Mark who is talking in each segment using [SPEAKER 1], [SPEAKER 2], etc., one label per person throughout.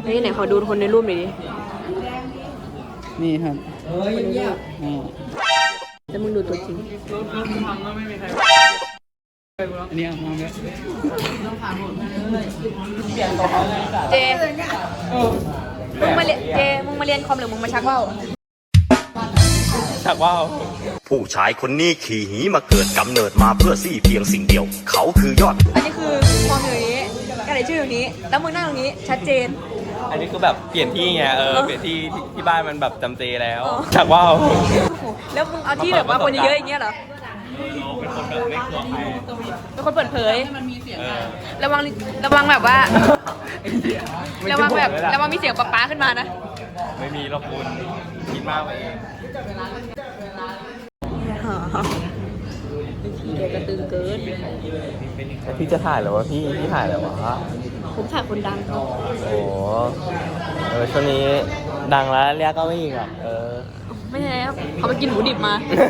[SPEAKER 1] นี่ไหนขอดูคนในรูปหน่อยดิ
[SPEAKER 2] นี่ครับ
[SPEAKER 1] จะมึงดูตัวจริง
[SPEAKER 2] อันนี้เอามาแล้ว
[SPEAKER 1] เจมึงมาเรียนมึงมาเรียนคอมหรือมึงมาชักว่าว
[SPEAKER 2] ชักว่าว
[SPEAKER 3] ผู้ชายคนนี้ขี่หีมาเกิดกำเนิดมาเพื่อซี่เพียงสิ่งเดียวเขาคือยอด
[SPEAKER 1] อันนี้คือคอมอยู่นี้กระดาษชื่ออยู่นี้แล้วมึงนั่งตรงนี้ชัดเจน
[SPEAKER 2] อันนี้คือแบบเปลี่ยนที่ไงเปลี่ยนที่บ้านมันแบบจำเจแล้วชักว่าว
[SPEAKER 1] แล้วมึงเอาที่แบบว่าคนเยอะๆอย่างเงี้ยเหรอ
[SPEAKER 2] เป็นคนแบบไม่กลัวใคร
[SPEAKER 1] เป็นคนเปิดเผยระวังแบบว่าระวังมีเสียงป๊าขึ้นมานะ
[SPEAKER 2] ไม่มีหรอกคุณคิดมากไปเอง
[SPEAKER 1] เดี๋ยวกระตือเกิน
[SPEAKER 2] พี่จะถ่ายหรอวะพี่ถ่ายหรอวะ
[SPEAKER 1] ผมถ่ายคนดัง
[SPEAKER 2] โอ้ช่วงนี้ดังแล้วเรียกก็ไม่อีกอ่ะ
[SPEAKER 1] ไม่ใช่ครับเขาไปกินหมูดิบมา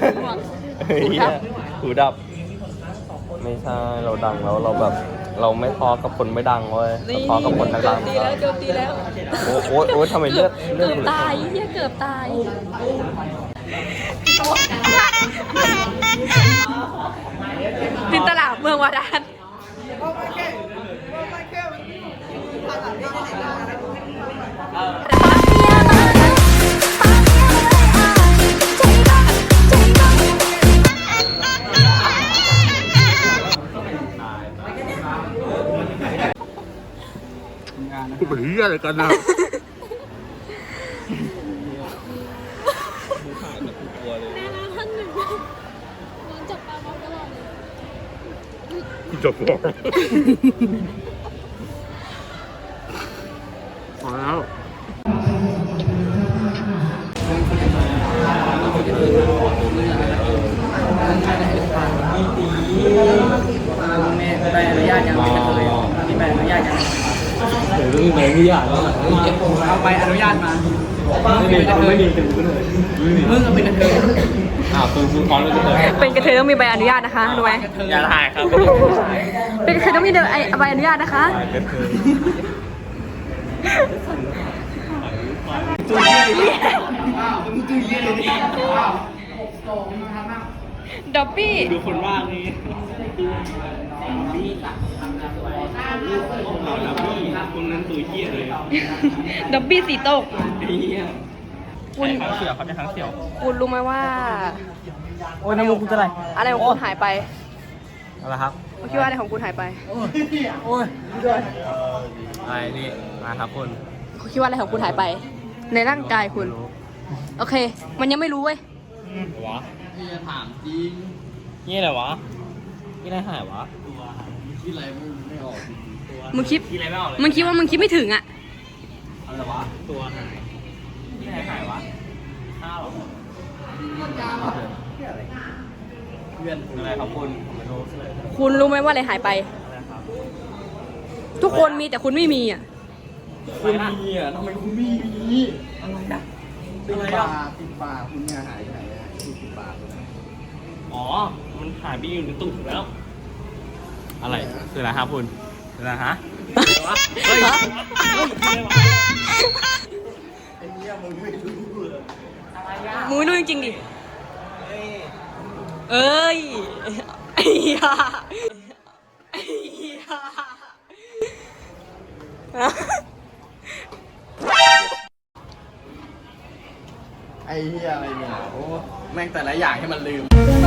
[SPEAKER 2] หูดับไม่ใช่เราดังแล้วเราแบบเราไม่ท้อกับคนไม่ดังเว้ยท้อกับคนดัง
[SPEAKER 1] ตีแล้ว
[SPEAKER 2] โอ้ทำไมเลือด
[SPEAKER 1] ตายเกือบตายจินตลาดเมืองวาดาน
[SPEAKER 2] กูเป็นเหี้ยอะไรกันนะจับหัวพอแล้ว
[SPEAKER 4] แม่ใบอนุญาตยังไม่เลยมีใบอนุญาตยัง
[SPEAKER 2] มีใบอนุญาต
[SPEAKER 4] เอาใบอนุญาตมา
[SPEAKER 2] ไม่มี
[SPEAKER 4] มึงเป็นกระเทย
[SPEAKER 2] คุณพร้อมแล้วจะเปิด
[SPEAKER 1] เป็นกระเทยต้องมีใบอนุญาตนะคะรู้ไหม
[SPEAKER 2] อย่าถ่ายครับ
[SPEAKER 1] เป็นกระเทยต้องมีใบอนุญาตนะคะด็อบบี้
[SPEAKER 2] ดูคนว่างนี่คนนั้นตัวเหี้ยเลย
[SPEAKER 1] ด็อบบี้สีโต๊ะ
[SPEAKER 2] คุณทั้งเสี่ยวเขาจะทั้งเสี่ยว
[SPEAKER 1] คุณรู้ไหมว่า
[SPEAKER 2] โอ้ยน้ำมูกคุณจะอะไร
[SPEAKER 1] ของคุณหายไป
[SPEAKER 2] อะไรครับ
[SPEAKER 1] คุณคิดว่าอะไรของคุณหายไป
[SPEAKER 2] โอ้ยด้วยอะไรนี่มาครับ
[SPEAKER 1] คุณคิดว่าอะไรของคุณหายไปในร่างกายคุณโอเคมันยังไม่รู้เว้ยว
[SPEAKER 2] ะพี่จะถามจริงนี่อะไรวะนี่อะไรหายวะที่อะไรไม่ออก
[SPEAKER 1] มึงคิดว่ามึงคิดไม่ถึงอ่ะ
[SPEAKER 2] อะไรวะตัวหายนี่อะไรหายวะข้าวเพื่อนอะไรครับคุณผมไม่รู้เลย
[SPEAKER 1] คุณรู้ไหมว่าอะไรหายไปทุกคนมีแต่คุณไม่มีอ่ะ
[SPEAKER 2] คุณมีอ่ะทำไมคุณไม่มีอะไรอ่ะ
[SPEAKER 4] ปิดปากคุณเนี่ยหายไปไหนอ่ะปิดปาก
[SPEAKER 2] อ๋อมันหายไปอยู่ในตุ่มแล้วอะไรคืออะไรครับคุณคืออะไรฮะเฮ้ย
[SPEAKER 4] ไอ้เนี่ยมึงไม่รู้
[SPEAKER 1] มึงไม่รู้จริงๆดิเอ้ยไอ้เหี้ย
[SPEAKER 4] ไอ้เหี้ยอะไรเนี่ยโอ้แม่งแต่ละอย่างให้มันลืม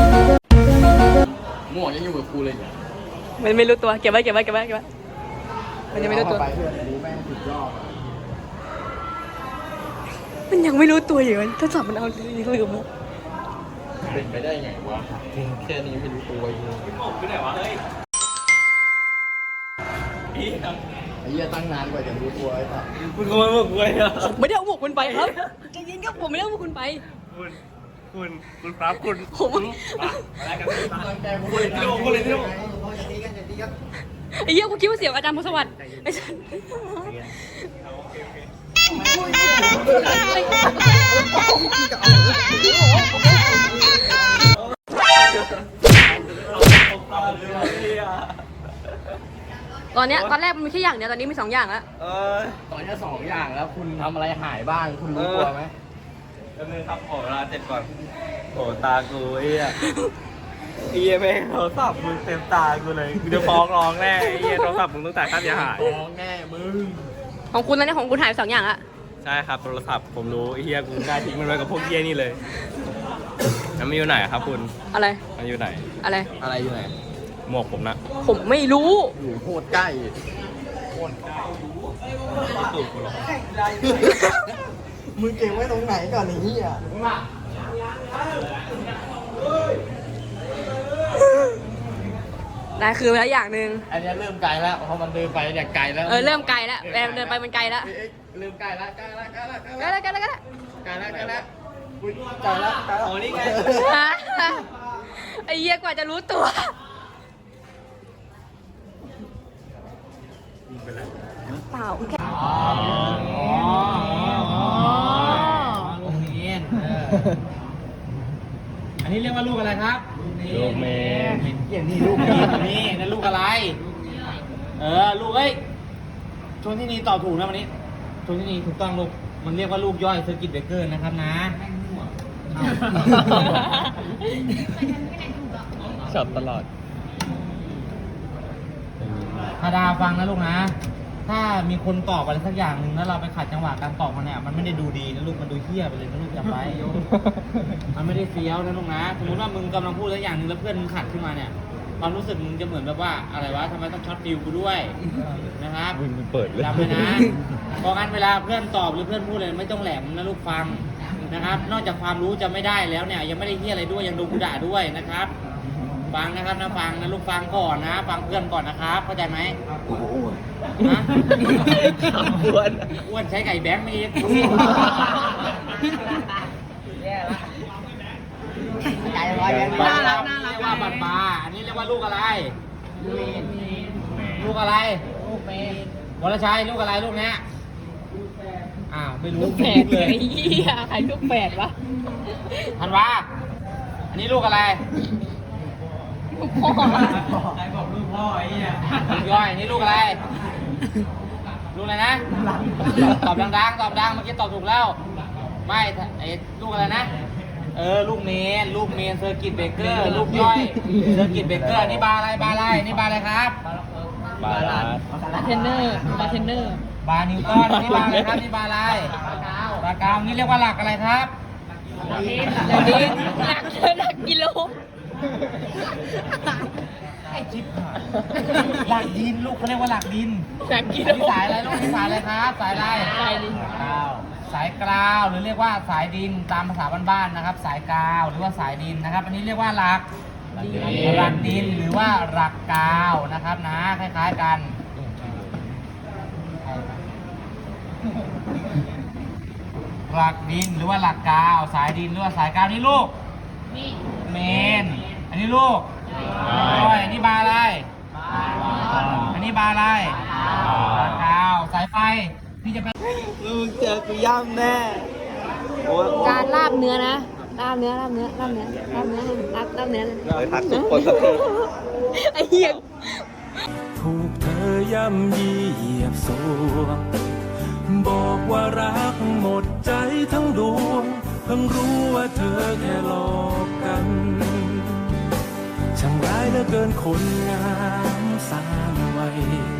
[SPEAKER 4] มั่วยังอยู่กับกูเลยเนี่ย
[SPEAKER 1] มันไม่รู้ตัวเก็บไว้มันยังไม่รู้ตัวมันยังไม่รู้ตัวอยู่ถ้าจับมันเอาลืม
[SPEAKER 4] เป็นไปได้ไงวะแค่นี้ไม่รู้ตัวเอง
[SPEAKER 2] บอกไปไหนวะเฮ้ยไ
[SPEAKER 4] อ้เหี้ยตั้งนานกว่าจะรู้ตัวไอ้สัส
[SPEAKER 2] คุณก็ไม่บอกกูเลยอะ
[SPEAKER 1] ไม่ได้เอาหมวกคุณไปครับจริงๆก็ผมไม่ได้เอาหมวกคุณไป
[SPEAKER 2] คุณครับคุณ
[SPEAKER 1] ผม
[SPEAKER 2] อะไรกันคุณเลยที่โล
[SPEAKER 1] ไอ้เหี้ยกูคิดว่าเสียงอาจารย์พสวัสดิ์ไอ้สัสโอตอนแรกมันมีแค่อย่างเดียวตอนนี้มี2 อย่างแล้ว
[SPEAKER 4] ตอนนี้2 อย่างแล้วคุณทำอะไรหายบ้างคุณรู้ตัวไหม
[SPEAKER 2] ก็เลยครับขอเวลาเจ็ดก่อนโอ้ตากูไอ้เหี้ยไอ้เหี้ยแม่งโทรศัพท์มึงเต็มตากูเลยกูจะฟ้องร้องแน่ไอ้เหี้ยโทรศัพท์มึงต้องจ่ายค่าเสียหาย
[SPEAKER 4] ฟ้องแน่มึง
[SPEAKER 1] ของคุณตอนนี้ของคุณหายไป2 อย่างละ
[SPEAKER 2] ใช่ครับโทรศัพท์ผมรู้ไอ้เหี้ยกูได้ทิ้งมันไว้กับพวกเหี้ยนี่เลยแล้วมันอยู่ไหนครับคุณ
[SPEAKER 1] อะไร
[SPEAKER 2] มันอยู่ไหน
[SPEAKER 1] อะไร
[SPEAKER 4] อะไรอยู่ไหน
[SPEAKER 2] หมวกผมนะ
[SPEAKER 1] ผมไม่รู้
[SPEAKER 4] อยู่โคตรใกล้
[SPEAKER 2] ตูดกูหรอ
[SPEAKER 4] มึงเก็บไว้ตรงไหนก่อนไอ้เหี้ย
[SPEAKER 1] ได้คือไปแล้วอย่างหนึ่ง
[SPEAKER 4] อันนี้เริ่มไกลแล้วเพราะมันเดินไปเนี่ยไกลแล้ว
[SPEAKER 1] เริ่มไกลแล้วเดินไปมันไกลแล้ว
[SPEAKER 4] เริ่มไกลแล้วไกลแล้วไกลแล้ว
[SPEAKER 1] ไกลแล้วไกลแล้วไกลแล้ว
[SPEAKER 4] ไกลแล้วไกลแล้วอุ๊ยไกลแล้วไกลแล้ว
[SPEAKER 2] โอ้นี่ไง
[SPEAKER 1] ไอ้เหี้ยกว่าจะรู้ตัวเปล่าแค่
[SPEAKER 4] ตรงนี้อันนี้เรียกว่าลูกอะไรครับ
[SPEAKER 2] ลูกเมน
[SPEAKER 4] อย่างนี้ลูกนี่นั่นลูกอะไร ลูกชนที่นี่ตอบถูกนะวันนี้ชนที่นี่ถูกต้องลูกมันเรียกว่าลูกย่อยเซอร์กิตเบรกเกอร์นะครับนะ
[SPEAKER 2] ช็อตตลอด
[SPEAKER 4] ธาดาฟังนะลูกนะ ถ้ามีคนตอบอะไรสักอย่างหนึ่งแล้วเราไปขัดจังหวะการตอบมันเนี่ยมันไม่ได้ดูดีนะลูกมันดูเหี้ยไปเลยนะลูกจำไว้ มันไม่ได้เฟี้ยวนะลูกนะสมมติว่ามึงกำลังพูดสักอย่างหนึ่งแล้วเพื่อนมึงขัดขึ้นมาเนี่ยความรู้สึกมึงจะเหมือนแบบว่าอะไรวะทำไมต้องช็อตฟิลกูด้วยนะครับ
[SPEAKER 2] มึงเปิดเลย
[SPEAKER 4] จำไว้นะเพราะงั้นเวลาเพื่อนตอบหรือเพื่อนพูดอะไรไม่ต้องแหลมนะลูกฟังนะครับ นอกจากความรู้จะไม่ได้แล้วเนี่ยยังไม่ได้เหี้ยอะไรด้วยยังโดนกูด่าด้วยนะครับ ฟังนะครับนะฟังนะลูกฟังก่อนนะ ฟังเพื่อนก่อนนะครับเข้าใจไหมฮะอ้วนใช้ไก่แบงค์ไม่เองใจร้อยแบงค์น่ารักเรียกว่าบัตรบาอันนี้เรียกว่าลูกอะไรลูกอะไรลูกเมนวรชัยลูกอะไรลูกเนี้ยอ้าวไม่รู้
[SPEAKER 1] แปดเลยไอ้เหี้ยใครลูกแปดวะ
[SPEAKER 4] ธันวาอันนี้ลูกอะไร
[SPEAKER 1] พ่อ
[SPEAKER 4] ใครบอกลูกพ่อไอ้เนี่ยลูกย่อยนี่ลูกอะไร ลูกอะไรนะ ตอบดังๆ ตอบดัง เมื่อกี้ตอบถูกแล้ว ไม่ไอ้ลูกอะไรนะ ลูกเมนเซอร์กิตเบรกเกอร์ ลูกย่อย เซอร์กิตเบรกเกอร์ นี่บาร์อะไรนี่บาร์อะไรครับ
[SPEAKER 2] บาลานซ์
[SPEAKER 1] บาร์เทนเนอร์
[SPEAKER 4] บาร์นิวตันนี่บาร์อะไรครับ นี่บาร์อะไรบาร์กาวนี่เรียกว่าหลักอะไรครับ
[SPEAKER 1] หลักกิโล
[SPEAKER 4] ไอ้จิ๊บหลักดินลูกเขาเรียกว่าหลักดิน
[SPEAKER 1] หลักกิโล
[SPEAKER 4] อันนี้สายอะไรลูกนี่สายอะไรครับ สายอะไร
[SPEAKER 1] สายดิน
[SPEAKER 4] สายกราวหรือเรียกว่าสายดินตามภาษาบ้านๆนะครับ สายกาวหรือว่าสายดินนะครับ อันนี้เรียกว่าหลักดินหรือว่าหลักกาวนะครับนะคล้ายๆกันหลักดินหรือว่าหลักกาวสายดินหรือว่าสายกาวนี่ลูกเมนอันนี้ลูกก้อยอันนี้บาร์อะไรอันนี้บาร์อะไรบาร์กาวสายไฟที่จะเป็นลูกเจอกูย่ำแน่
[SPEAKER 1] การลาบเนื้อนะลาบเนื้อเลย
[SPEAKER 2] เลยทักทุกคนสักที
[SPEAKER 1] ไอ้เหี้ย
[SPEAKER 5] ถูกเธอย่ำยีเหยียบสวงบอกว่ารักหมดใจทั้งดวงเพิ่งรู้ว่าเธอแค่หลอกกันช่างร้ายเหลือเกินคนงามสร้างไว้